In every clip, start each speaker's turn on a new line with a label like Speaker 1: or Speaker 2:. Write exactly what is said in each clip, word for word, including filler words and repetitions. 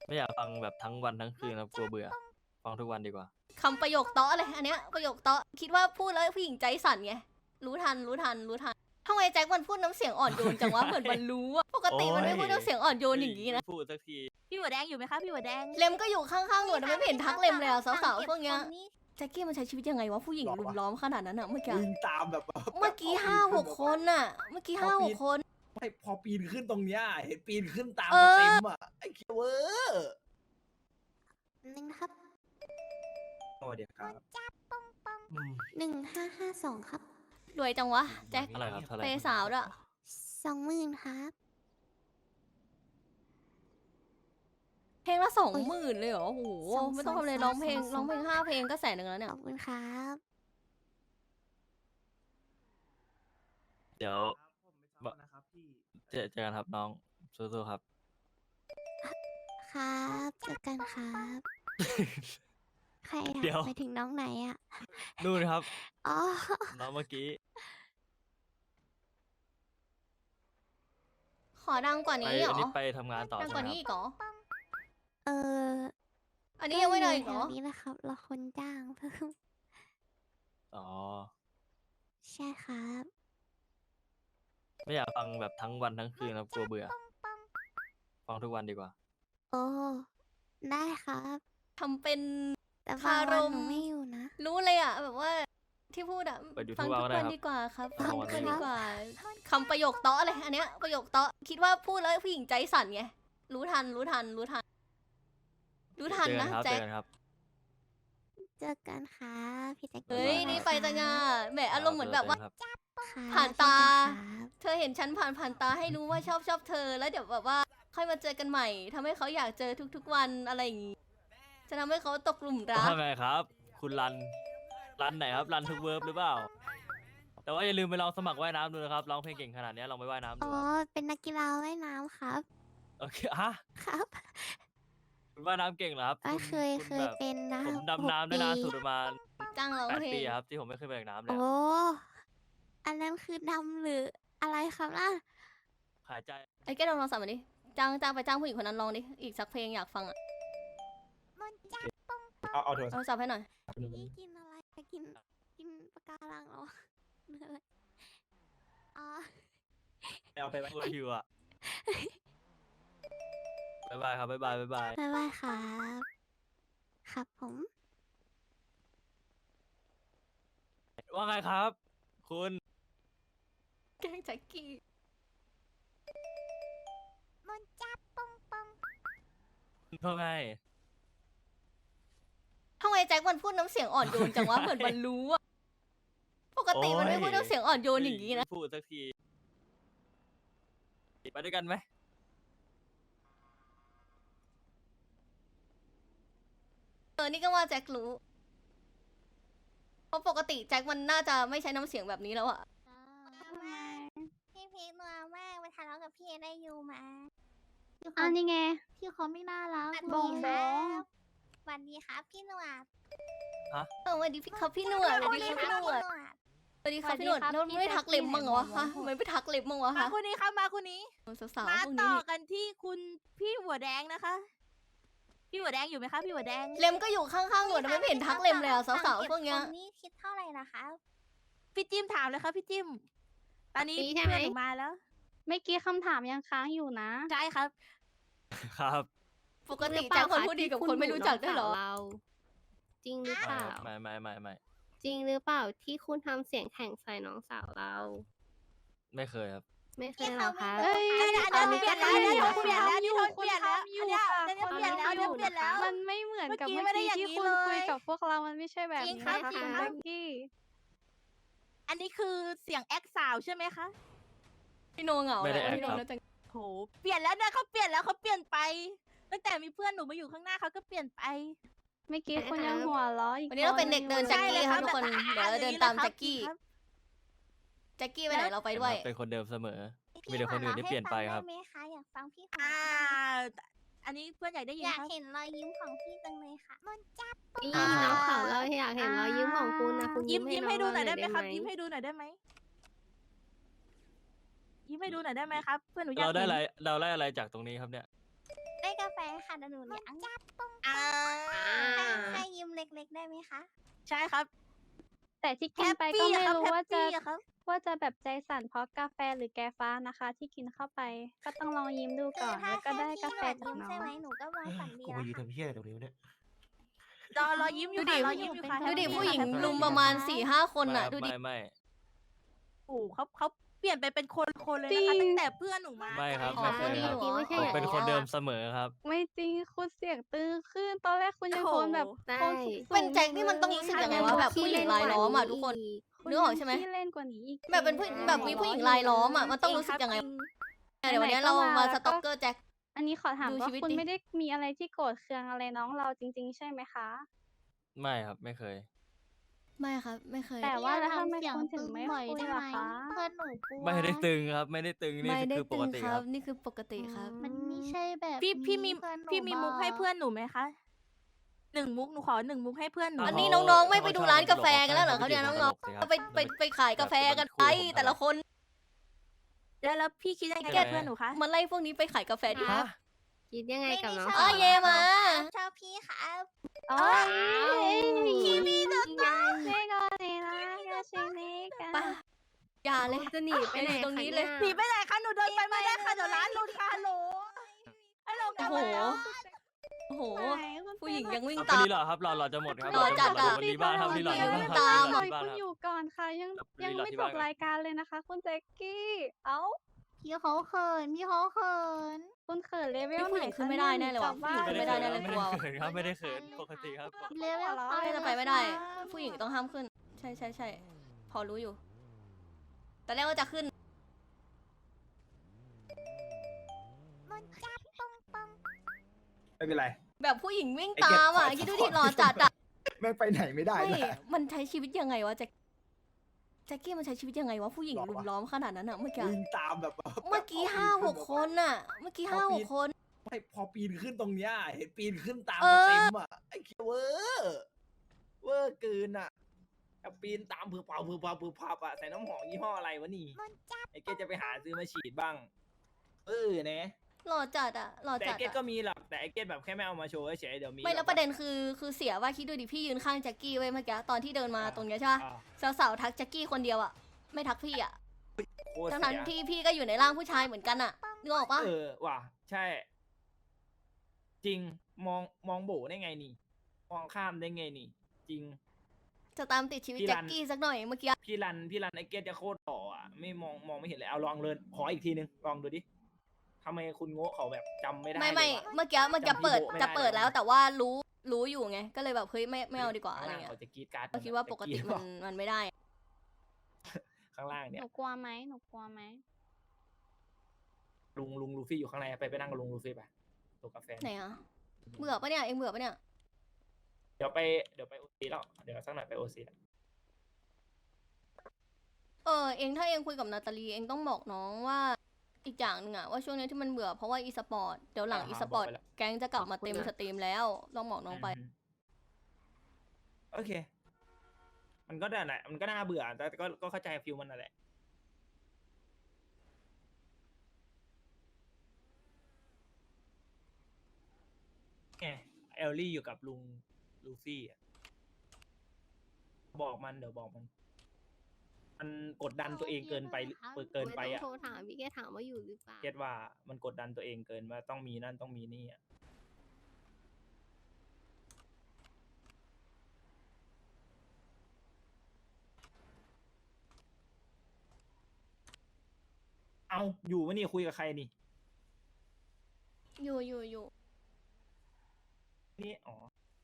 Speaker 1: ไม่อยากฟังแบบทั้งวันทั้งคืนครับกลัวเบื่อฟังทุกวันดีกว่า
Speaker 2: คำประโยคเตาะเลยอันเนี้ยประโยคเตาะคิดว่าพูดแล้วผู้หญิงใจสั่นไงรู้ทันรู้ทันรู้ทันทำไมแจ็คมันพูดน้ำเสียงอ่อนโยนจังวะเหมือนมันรู้อะปกติมันไม่พูดน้ำเสียงอ่อนโยนอย่างนี้นะ
Speaker 1: พูดสักที
Speaker 3: พี่หัวแดงอยู่ไหมคะพี่หัวแดง
Speaker 2: เลมก็อยู่ข้างๆหนูแต่ไม่เห็นทักเลมเลยอะสาวๆพวกเนี้ยแจ็คกี้มันใช้ชีวิตยังไงวะผู้หญิงลุมล้อมขนาดนั้นอะเมื่อกี้
Speaker 4: วิ่งตามแบบ
Speaker 2: เมื่อกี้ห้าหกคนอะเมื่อกี้ห้าหกคน
Speaker 4: ไม่พอปีนขึ้นตรงเนี้ยเห็นปีนขึ้นตาม
Speaker 2: เออ
Speaker 4: เต็มอ่ะไอ้เคียวเวอร์
Speaker 5: หนึ่งนะครับ
Speaker 4: สวัสดีครับ
Speaker 5: หนึ่งห้าห้าสองครับ
Speaker 2: รวยจังวะแจ็ค
Speaker 1: อะไรครับเท่าไหร่
Speaker 2: เปย์สาวด้วย
Speaker 5: สองหมื่นครับ
Speaker 2: เพลงละสองหมื่นเลยเหรอโอ้โหไม่ต้องทำเลยร้องเพลงร้องเพลงห้าเพลงก็แสนหนึ่งแล้วเนี่
Speaker 5: ข
Speaker 2: ย
Speaker 5: อบคุณครับ
Speaker 1: เดี๋ยว
Speaker 4: ผมไม่ชอบนะครับพี่
Speaker 1: เจอเจอกันครับน้องสู้ๆครับ
Speaker 5: ครับเจอกันครับ ใครอะ
Speaker 1: เดี๋ยว
Speaker 5: ไปถึงน้องไหนอะ
Speaker 1: นู่นครับ
Speaker 5: อ๋อ
Speaker 1: น้องเมื่อกี้
Speaker 2: ขอดังกว่า
Speaker 1: ไป
Speaker 2: นี้เหร
Speaker 1: อั
Speaker 2: อน
Speaker 1: นี้ไปทำงานต่อ
Speaker 2: ดัง
Speaker 1: ใช่
Speaker 2: ก
Speaker 1: ไหม
Speaker 2: ว่านี้
Speaker 1: ค
Speaker 2: อี
Speaker 1: รับ
Speaker 2: กเหรอ
Speaker 5: เออ
Speaker 2: อันนี้ยังไม่ได้อีกเหร
Speaker 5: แถ
Speaker 2: อ
Speaker 5: วนี้นะครับเราคนจ้างเพิ่ม
Speaker 1: อ๋อ
Speaker 5: ใช่ครับ
Speaker 1: ไม่อยากฟังแบบทั้งวันทั้งคืนครับกลัวเบื่อฟังทุกวันดีกว่า
Speaker 5: โอ้ ได้ครับ
Speaker 2: ทำเป็น
Speaker 5: แต่บางวัน
Speaker 2: คารม
Speaker 5: หนูไม่อยู่นะ
Speaker 2: รู้เลยอะแบบว่าที่พูดอะ
Speaker 1: ไปดู
Speaker 2: ฟัง
Speaker 1: ทุก
Speaker 2: ทุ
Speaker 1: วัน
Speaker 2: ก
Speaker 1: ก็ได้
Speaker 2: วัน
Speaker 1: ครับ
Speaker 2: ดีกว่าครับ
Speaker 1: ฟั
Speaker 2: ฟัง
Speaker 1: ง
Speaker 2: ทุ
Speaker 1: ทุ
Speaker 2: ก
Speaker 1: ก
Speaker 2: วั
Speaker 1: วัน น
Speaker 2: ดีกว่าคำประโยคเตาะเลยอันเนี้ยประโยคเตาะคิดว่าพูดแล้วผู้หญิงใจสั่นไงรู้ทันรู้ทันรู้ทัน รู้ทัน
Speaker 1: เจอกั
Speaker 2: นะ
Speaker 1: ครับ
Speaker 2: แจ็
Speaker 1: เจ
Speaker 2: ค
Speaker 1: อกันครับ
Speaker 5: เจอกันครับพี่แจ็ค
Speaker 2: เฮ้ย
Speaker 1: บ๊ายบาย
Speaker 2: นี่ไปจังอะแหมอารมณ์เหมือนแบบว่า
Speaker 1: ครับ
Speaker 5: ครับ
Speaker 2: ผ่านตา
Speaker 5: เจอกันครับ
Speaker 2: เธอเห็นฉันผ่านผ่านตาให้รู้ว่าชอบชอบเธอแล้วเดี๋ยวแบบว่าค่อยมาเจอกันใหม่ทำให้เขาอยากเจอทุกๆวันอะไรอย่างงี้จะทำให้เขาตกหลุมรัก
Speaker 1: ว่าไงครับ คุณรัน รันไหนครับ รันทุกเวิร์บหรือเปล่า แต่ว่าอย่าลืมไปลองสมัครว่ายน้ำดูนะครับ ร้องเพลงเก่งขนาดนี้ลองไปว่ายน้ำดู
Speaker 5: อ๋อ
Speaker 1: ครับ
Speaker 5: เป็นนักกีฬาว่ายน้ำครับ
Speaker 1: โอเคฮะ
Speaker 5: ครับ
Speaker 1: คุณว่ายน้ำเก่งเหรอครับ
Speaker 5: อ่ะ
Speaker 1: ณ
Speaker 5: เคย
Speaker 1: ณ
Speaker 5: เคย
Speaker 1: แบบ
Speaker 5: เป็นนะ
Speaker 1: ผม
Speaker 5: หก
Speaker 1: ดำน้ำได้นานสุด
Speaker 5: ปี
Speaker 1: ประมาณ
Speaker 2: จ้างร้อง
Speaker 1: แปด
Speaker 2: เพล
Speaker 1: ปี
Speaker 2: ง
Speaker 1: ครับที่ผมไม่ขึ้นไปจากน้ำเลย
Speaker 5: โอ้
Speaker 1: อะ
Speaker 5: อันนั้นคือดำหรืออะไรครับล่ะ
Speaker 1: หายใจ
Speaker 2: ไอ้แกลองลองสั่งมาดิจ้างจ้างไปจ้างผู้หญิงคนนั้นลองดิอีกสักเพลงอยากฟังอะ
Speaker 4: เอาเอาโทรศัพ
Speaker 2: เอา
Speaker 4: ท์
Speaker 2: สับให้หน่อย
Speaker 5: พี่กินอะไรกิน กินปะการังเหรอหรืออะไรอ๋อ
Speaker 4: เอาไปไว้
Speaker 1: โอ้ยหิวอ่ะบ๊ายบายครับบ๊ายบายบ๊ายบาย
Speaker 5: บ๊ายบายครับ ครับผม
Speaker 1: ว่าไงครับ คุณ
Speaker 2: แกล้งแจ็คกี้
Speaker 1: ว่าไง
Speaker 2: ทำไมแจ็คมันพูดน้ำเสียงอ่อนโยนจังวะเหมือนมันรู้อะปกติมันไม่พูดน้ำเสียงอ่อนโยนอย่างนี้นะ
Speaker 1: พูดสักทีไปด้วยกันไหม
Speaker 2: เออนี่ก็ว่าแจ็ครู้เพราะปกติแจ็คมันน่าจะไม่ใช้น้ำเสียงแบบนี้แล้วอะ
Speaker 5: พี่พีคนัวมากไปทะเลาะกับพี่เอได้ยูมา
Speaker 6: อันนี้ไง
Speaker 5: พี่เขาไม่น่ารัก
Speaker 6: บองบอง
Speaker 5: สวัสดีครับพี่หนวด
Speaker 2: เออสวัสดีพี่ครับพี่หนวดสวัสดีครับพี่หนวดสวัสดีครับพี่หนวดแล้วไม่ทักเล็บมั้งเหรอวะฮะทำไมไม่ทักเล็บมั้งวะ
Speaker 3: มา
Speaker 2: ฮะ
Speaker 3: คนนี้ครับมาคนนี้
Speaker 2: สาว
Speaker 3: มา
Speaker 2: ๆพวก
Speaker 3: ต่
Speaker 2: นี้
Speaker 3: อ
Speaker 2: นี่
Speaker 3: กันที่คุณพี่หัวแดงนะคะ พี่หัวแดงอยู่ไหมคะพี่หัวแดง
Speaker 2: เลมก็อยู่ข้างๆหนูแต่ไม่เห็นทักเล็มเลยอะสาวๆพวกเนี้ย
Speaker 5: นี่คิดเท่าไหร่ล่ะคะ
Speaker 3: พี่จิ้มถามเลยครับพี่จิ้ม ตอนนี้
Speaker 6: ปี
Speaker 3: เพื่
Speaker 6: ใช่ไหม
Speaker 3: อนหนูมาแล้ว
Speaker 6: เมื่อกี้คำถามยังค้างอยู่นะ
Speaker 3: ใช่ครับ
Speaker 1: ครับ
Speaker 2: ปกติแจ็คคนพูดดีกับคนไม่รู้จักด้วยเหรอ
Speaker 6: เรา จริงหรือเปล่า
Speaker 1: ไม่ไม่ไม่ไม่
Speaker 6: จริงหรือเปล่าที่คุณทำเสียงแข่งใส่น้องสาวเรา
Speaker 1: ไม่เคยครับ
Speaker 6: ไม่เคยเหรอคะ
Speaker 5: เอ้ย
Speaker 3: อันนี้อันนี้เปลี่ยนแล้วอันนี้เปลี่ยนแล้วอันนี้
Speaker 6: คุ
Speaker 3: เปลี่ยนแล้ว
Speaker 6: ณทำอยู่
Speaker 3: อันนี้เปลี่ยนแล้วอันนี้เปลี่ยนแล้ว
Speaker 6: มันไม่เหมือนกับ
Speaker 3: เมื่
Speaker 6: เมื่
Speaker 3: อ
Speaker 6: อ
Speaker 3: กี้ไม่ได้อย่าง
Speaker 6: กี้ที่
Speaker 3: นี้
Speaker 6: คุณคุย
Speaker 3: เลย
Speaker 6: กับพวกเรา มันไม่ใช่แบบ
Speaker 3: จริง
Speaker 6: นี้
Speaker 3: ครับ
Speaker 6: นะ
Speaker 3: จริง
Speaker 6: คะ
Speaker 3: ครับ
Speaker 6: แจ็คกี้
Speaker 3: อันนี้คือเสียงแอคสาวใช่ไหมคะ
Speaker 2: พี่โนเหงา
Speaker 1: ไม่ได้
Speaker 2: แหละ
Speaker 1: แอค
Speaker 2: พี่โน
Speaker 1: ครับ
Speaker 2: แล้วจัง
Speaker 3: โห เปลี่ยนแล้วนะเขาเปลี่ยนแล้วเขาเปลี่ยนไป ตั้งแต่มีเพื่อนหนูมาอยู่ข้างหน้าเขาก็เปลี่ยนไป
Speaker 6: เมื่อกี้คุณยังหัวเราะอีก
Speaker 2: วันนี้เราเป็นเด็กเดิน
Speaker 6: ค
Speaker 2: แจ็ค
Speaker 6: ล
Speaker 2: กี้
Speaker 6: ย
Speaker 2: ครับทุกคนเดี๋ยวเราเดินตามแจ็คกี้
Speaker 3: ครับ
Speaker 2: แจ็คกี้ไปไหนเราไปด้วย
Speaker 1: เป็นคนเดิมเสมอ มีแต่คนอื่นที่เปลี่ยนไปครับ
Speaker 5: พี่หัวเราะให้ฟังได้ไหมคะอยากฟังพี่หัว
Speaker 3: อ่า
Speaker 5: เราะ
Speaker 3: อันนี้เพื่อนอยากได้ยิน
Speaker 5: อยาก
Speaker 3: ครับ
Speaker 5: เห็นรอยยิ้มของพี่จังเลยค่ะมันจับ
Speaker 6: นี่น้องสาวเราอยากเห็นรอยยิ้มของคุณนะคุณ
Speaker 3: ยิ้มยิ้มให้ดูหน่อยได้ไหมครับ
Speaker 6: น้ง
Speaker 3: ยิ้มให้ดูหน่อยได้ไหมยิ้มให้ดูหน่อยได้ไหมครับ เพื่อนหนูอยาก
Speaker 1: เราได้
Speaker 3: เห็น
Speaker 1: อะไรเราได้อะไรจากตรงนี้ครับเนี่ย
Speaker 5: ได้กาแฟฟค่ะเดี๋ยวหนูเลี้ยง
Speaker 3: อ่า
Speaker 5: แค่ยิ้มเล็กๆได้ไหมคะ
Speaker 3: ใช่ครับ
Speaker 7: แต่ที่กินไป
Speaker 3: แฮปปี้
Speaker 7: ก็ไม่
Speaker 3: อะครับ
Speaker 7: รู้ว่าจะ
Speaker 3: แฮปปี้อะครับ
Speaker 7: ว่าจะแบบใจสั่นเพราะกาแฟหรือแกฟ้านะคะ ที่กินเข้าไป ก็ต้องลองยิ้มดู
Speaker 5: คื
Speaker 7: ก่
Speaker 5: อ
Speaker 7: อน
Speaker 5: ถ้า
Speaker 7: แล้วก็
Speaker 5: แค่
Speaker 7: ได้
Speaker 5: พี่
Speaker 7: กาแฟ
Speaker 5: หัด
Speaker 7: จาก
Speaker 5: ยิ้ม
Speaker 7: น้อ
Speaker 5: ใช่ไหม
Speaker 7: ง
Speaker 5: หนูก็มองฝันดี
Speaker 4: กู
Speaker 5: แล้
Speaker 4: มาว ยืน
Speaker 5: ค่ะ
Speaker 4: ทำเพี้ยอะไรตรงนี้วะเนี่ย
Speaker 3: รอรอยิ้มอยู่
Speaker 2: ดู
Speaker 3: ค่ะ
Speaker 2: ดิ
Speaker 3: รอยิ้มอยู่ค่ะ
Speaker 2: ดูดิ
Speaker 3: แฮปปี้
Speaker 2: ผู้หญิง
Speaker 3: ค่ะแฮปปี้
Speaker 2: ลุมประมาณสี่ห้าคน
Speaker 1: ไม่
Speaker 2: อ่ะ
Speaker 1: ครับ
Speaker 2: ดูดิ
Speaker 1: ไม่ไม่
Speaker 3: โอ้โหเขาเขาเปลี่ยนไปเป็นคนคนเลย
Speaker 7: จริ
Speaker 3: นะคะ
Speaker 7: ง
Speaker 3: ตั้งแต่เพื่อนหนูมา
Speaker 1: ไม่ครับ
Speaker 2: อ๋อ
Speaker 1: ไม่เคย
Speaker 2: นี่
Speaker 1: ครับ
Speaker 2: เหรอ
Speaker 6: ไม่ใช่
Speaker 1: ผม
Speaker 6: หรอ
Speaker 1: เป็นคนเดิมเสมอครับ
Speaker 7: ไม่จริงคุณเสียงตึงขึ้น ตอนแรกคุณยังโทนแบบ
Speaker 6: ได้
Speaker 7: โทนสูงๆ
Speaker 2: เป็นแจ็คนี่มันต้องรู้สึกยังไงวะแบบผู้หญิงรายล้อมอ่ะทุกคน
Speaker 7: คุณ
Speaker 2: นึกออกใช่ไหม
Speaker 7: ขี้เล่นกว่านี้อีก
Speaker 2: แบบเป็นผู้แบบมีผู้หญิงรายล้อมอ่ะมันต้องรู้สึกยังไง เดี๋ยววันนี้เรามาสต็อกเกอร์แจ็ค
Speaker 7: อันนี้ขอถาม
Speaker 2: ดู
Speaker 7: ว่า
Speaker 2: ชีวิต
Speaker 7: คุณ
Speaker 2: ดิ
Speaker 7: ไม่ได้มีอะไรที่โกรธเคืองอะไรน้องเราจริง ๆ ใช่ไหมคะ
Speaker 1: ไม่ครับไม่เคย
Speaker 2: ไม่ครับ ไม่เคย
Speaker 7: แต่ว่าแล้วทำไม
Speaker 5: เสียง
Speaker 7: คุณถึ
Speaker 5: ตึ
Speaker 7: ง
Speaker 5: ง
Speaker 7: ไม่
Speaker 5: บ่อย
Speaker 7: คุย
Speaker 5: ได้
Speaker 7: ล่ะ
Speaker 5: ไหม
Speaker 7: คะ
Speaker 5: เพื่อนหนูกลัว
Speaker 1: ไม่ได้ตึงครับ ไม่ได้ตึงนี่
Speaker 2: ไม่ได้
Speaker 1: คือป
Speaker 2: ตึ
Speaker 1: ก
Speaker 2: ง
Speaker 1: ติ
Speaker 2: ค
Speaker 1: ค
Speaker 2: รั
Speaker 1: รั
Speaker 2: บบ นี่คือปกติครับ
Speaker 5: มันไม่ใช่แบบ
Speaker 3: พี่พี่มี
Speaker 5: เพื่อนหนู
Speaker 3: พี่มีมุก
Speaker 5: บอก
Speaker 3: ให้เพื่อนหนูไหมคะหนึ่งมุกหนูขอหนึ่งมุกให้เพื่อนหนู
Speaker 2: อัน
Speaker 1: เา
Speaker 2: นี้
Speaker 1: เขา
Speaker 2: น้องๆ ไม่
Speaker 1: เข
Speaker 2: ไปดู
Speaker 1: ชอบ
Speaker 2: ร้านกาแฟ
Speaker 1: ตล
Speaker 2: กันแล้วเหรอครับเนี่ย
Speaker 1: ให้
Speaker 2: น้อง
Speaker 1: ตลกสิค
Speaker 2: ๆ
Speaker 1: รับ
Speaker 2: ไปไปไปไปขายกาแฟกันไปแต่ละคน
Speaker 3: แล้วแล้วพี่คิดยังไง
Speaker 1: แก
Speaker 3: กับเพื่อนหนูคะ
Speaker 2: มันไล่พวกนี้ไปขายกาแฟดิ
Speaker 1: ฮะ
Speaker 6: คิดยังไง
Speaker 5: ไม่
Speaker 6: กับ
Speaker 5: ได้
Speaker 6: น้อง
Speaker 5: ชอบ
Speaker 2: อ๋อเยมา
Speaker 5: ชอบพี่ครับ
Speaker 7: โอ้ยคิมิโนโตะเซโกเนนะกาชิเนกะ
Speaker 2: ไปอย่าเลย
Speaker 6: จะหนีไปไหน
Speaker 2: ตรงนี้เลย
Speaker 3: หนีไปไหนคะหนูเดินไปไม่ได้ค่ะเดี๋ยวร้านหลุดค่ะฮัลโหลฮัลโหลกลับมาแล้ว
Speaker 2: โอ้โห
Speaker 7: ไหนคุณ
Speaker 2: ผู้หญิงยังวิ่ง
Speaker 1: เอา
Speaker 2: ตาม
Speaker 1: รีหลอดครับรอรอจะหมดครับ
Speaker 2: รอจัดอะ
Speaker 1: วันนี้บ้านครับรีหลอด
Speaker 2: ยั
Speaker 1: ที่
Speaker 2: ง
Speaker 1: บ้าน
Speaker 2: ไม่
Speaker 1: ครับ
Speaker 2: ตาม
Speaker 1: รีหลอดที่บ้าน
Speaker 7: คุณ
Speaker 1: ครับ
Speaker 7: อยู่ก่อนค่ะ ยัง
Speaker 1: ครับ
Speaker 7: ยัง
Speaker 1: รีหลอด
Speaker 7: ไม่
Speaker 1: ที่
Speaker 7: จ
Speaker 1: บ้าน
Speaker 7: บ
Speaker 1: ครับ
Speaker 7: รายการเลยนะคะ คุณแจ็คกี้ เอ้า
Speaker 5: พี่เขาเขินพี่เขาเขิน
Speaker 7: คุณเขินเลเวล
Speaker 2: ผู้หญิงขึ้นไม่ได้แน่เลยว่ะ
Speaker 7: กบ
Speaker 2: ผู้หญิง
Speaker 7: บ้าน
Speaker 2: ขึ้นไม่ได้แน่เลย
Speaker 1: ไม่ได้เขินครับไม่ได้เขินปกติครับ
Speaker 5: เลเวล
Speaker 7: ไม่
Speaker 2: ไม่จะไปไม่ได้ ผู้หญิงต้องห้ามขึ้น ใช่ใช่ใช่พอรู้อยู่ แต่แรกว่าจะขึ้น
Speaker 5: มันจับปองปอง
Speaker 4: ไม่เป็นไร
Speaker 2: แบบผู้หญิงวิ่ง
Speaker 4: ไอ้เก็บ
Speaker 2: ตามอ่ะ
Speaker 4: ขอ
Speaker 2: คิดดู
Speaker 4: ข
Speaker 2: ดิ
Speaker 4: อ
Speaker 2: หล่อจัดอ่ะ
Speaker 4: แม่งไปไหนไม่ได้
Speaker 2: ไม่
Speaker 4: เลย
Speaker 2: มันใช้ชีวิตยังไงวะแจ็คแจ็คกี้มันใช้ชีวิตยังไงวะผู้หญิง
Speaker 4: หรอวะ
Speaker 2: ลุมล้อมขนาดนั้นอ่ะเมื่อกี้
Speaker 4: วิ่งตามแบบ
Speaker 2: เมื่อกี้ห้าหกคนน่ะ เมื่อกี้ห้าหกคน
Speaker 4: ไม่พอปีนขึ้นตรงเนี้ยเห็นปีนขึ้นตาม
Speaker 2: เอ
Speaker 4: มา
Speaker 2: อ
Speaker 4: เต็มอ่ะไอ้เคียเวอร์เวอร์เกินอ่ะแบบปีนตามผือเปล่าผือเปล่าผือเปล่าอ่ะใส่น้ำหอมยี่ห้ออะไรวะนี่
Speaker 5: มันจับ
Speaker 4: ไอ้เกดจะไปหาซื้อมาฉีดบ้าง เออเนะ
Speaker 2: หล่อจัดอ่ะหล่อ
Speaker 4: แต่
Speaker 2: จั
Speaker 4: ไอ้
Speaker 2: ด
Speaker 4: เกด
Speaker 2: อะ
Speaker 4: ก็มีหรอกแต่ไอ้เกดแบบแค่ไม่เอามาโชว์เฉยๆเดี๋ยวมี
Speaker 2: ไม่แล้วประเด็นคือคือเสียว่าคิดดูดิพี่ยืนข้างแจ็คกี้ไว้เมื่อกี้ตอนที่เดินมาตรงเนี้ยใช่ปะ
Speaker 4: อ่า
Speaker 2: สาวๆทักแจ็คกี้คนเดียวอ่ะไม่ทักพี่อ่ะ
Speaker 4: โคตร
Speaker 2: ทั้ง
Speaker 4: เสี
Speaker 2: นั้น
Speaker 4: ย
Speaker 2: ที่พี่ก็อยู่ในร่างผู้ชายเหมือนกันอ่ะนึกออกปะ
Speaker 4: เออว่ะใช่ จริงมองมองโบได้ไงนี่ มองข้ามได้ไงนี่ จริง
Speaker 2: จะตามติดชีวิต
Speaker 4: พี่
Speaker 2: แจ็
Speaker 4: รั
Speaker 2: คน กี้สักหน่อยเมื่อกี้
Speaker 4: พี่รันพี่รันไอ้เกดจะโคตรต่ออ่ะไม่มองมองไม่เห็นเลยเอาลองเลยขออีกทีนึงลองดูดิทำไมคุณโง่เขาแบบจำไม่ได้
Speaker 2: ไม่ไม่
Speaker 4: เลยวะ
Speaker 2: เมื่อกี้เมื่อกี้
Speaker 4: จำพี่
Speaker 2: เปิด
Speaker 4: โบ๊ะไม่
Speaker 2: จะ
Speaker 4: ได้
Speaker 2: เปิด
Speaker 4: เลย
Speaker 2: แล้ว
Speaker 4: วะ
Speaker 2: แต่ว่ารู้รู้อยู่ไงก็เลยแบบเฮ้ยไม่ไม่เอาดีกว่า
Speaker 4: ข้า
Speaker 2: อะ
Speaker 4: ง
Speaker 2: ไร
Speaker 4: ล่าง
Speaker 2: เงี้ย
Speaker 4: เขาจะกรีดการ์ด
Speaker 2: ก็คิดว่าปกติ
Speaker 4: จะ
Speaker 2: มันมันไม่ได้
Speaker 4: ข้างล่าง
Speaker 7: ห
Speaker 4: เนี่ย
Speaker 7: นูกลัวไหมหนูกลัวไหม
Speaker 4: ลุงลุงลูฟี่อยู่ข้างในไปไปนั่งกับลุงลูฟี่ไปตัวกาแฟ
Speaker 2: ไหนอ่ะเบื่อปะเนี่ยเองเบื่อปะเนี่ย
Speaker 4: เดี๋ยวไปเดี๋ยวไปโอซีแล้วเดี๋ยวสักหน่อยไปโอซี
Speaker 2: เออเองถ้าเองคุยกับนาตาลีเองต้องบอกน้องว่าอีกอย่างหนึ่งอะว่าช่วงนี้ที่มันเบื่อเพราะว่าอีสปอร์ตเดี๋ยวหลังอีสปอร์ตแก๊งจะกลับมาเต็มสตรีมแล้วต้องบอกน้องไป
Speaker 4: โอเค มันก็ได้แหละมันก็น่าเบื่อแต่ก็ก็เข้าใจฟิลมันนั่นแหละไงเอลลี่อยู่กับลุงลูฟี่อะบอกมันเดี๋ยวบอกมัน มันกดดันตัวเองเกินไปเกินไป
Speaker 6: ม่ต้
Speaker 4: อ่ะ
Speaker 6: องโทรถามพี่แกถามว่าอยู่หรือเปล่า
Speaker 4: เก็ตว่ามันกดดันตัวเองเกินว่าต้องมีนั่นต้องมีนี่อ่ะเอาอยู่วะนี่คุยกับใครนี่
Speaker 2: อยู่อยู่อยู่
Speaker 4: นี่อ๋อ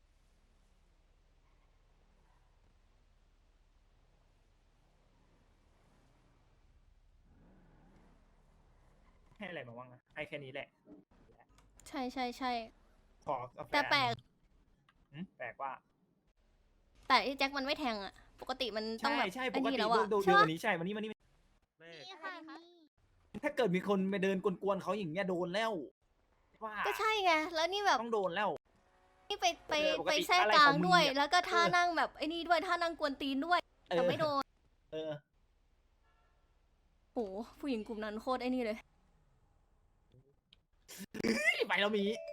Speaker 4: ให้อะไรมาบ้างอะให้แค่นี้แหละ
Speaker 2: ใช่ใช่ใช่
Speaker 4: ขอกาแฟ
Speaker 2: แต่แปลก
Speaker 4: หืมแปลกว่า
Speaker 2: แต่ไอ้แจ็คมันไม่แทงอะปกติมันต้อง
Speaker 4: ใช่
Speaker 2: แบบ
Speaker 4: ใช่ป
Speaker 2: ไอ้
Speaker 4: ก
Speaker 2: นี่
Speaker 4: ติ
Speaker 2: แล้ว
Speaker 4: ดู
Speaker 2: อะ
Speaker 4: ดู
Speaker 2: ใช่
Speaker 4: ดู
Speaker 2: ปะ
Speaker 4: วันนี้ใช่วันนี้วันนี้
Speaker 5: นี่ค่ะนี่
Speaker 4: ถ้าเกิดมีคนไปเดินกวนๆเขาอย่างเงี้ยโดนแล้วว่า
Speaker 2: ก็ใช่ไงแล้วนี่แบบ
Speaker 4: ต้องโดนแล้ว
Speaker 2: นี่ไปไป
Speaker 4: เออปกติ
Speaker 2: ไปแทรก
Speaker 4: อะไร
Speaker 2: กลาง
Speaker 4: ของมึง
Speaker 2: ด้วย
Speaker 4: เนี่ย
Speaker 2: แล้วก็ท่า
Speaker 4: เออ
Speaker 2: นั่งแบบไอ้นี่ด้วยท่านั่งกวนตีนด้วย
Speaker 4: เอ
Speaker 2: แต่
Speaker 4: อ
Speaker 2: ไม่โดน
Speaker 4: เออ
Speaker 2: โหผู้หญิงกลุ่มนั้นโคตรไอ้นี่เลย
Speaker 4: ไปแล้วมี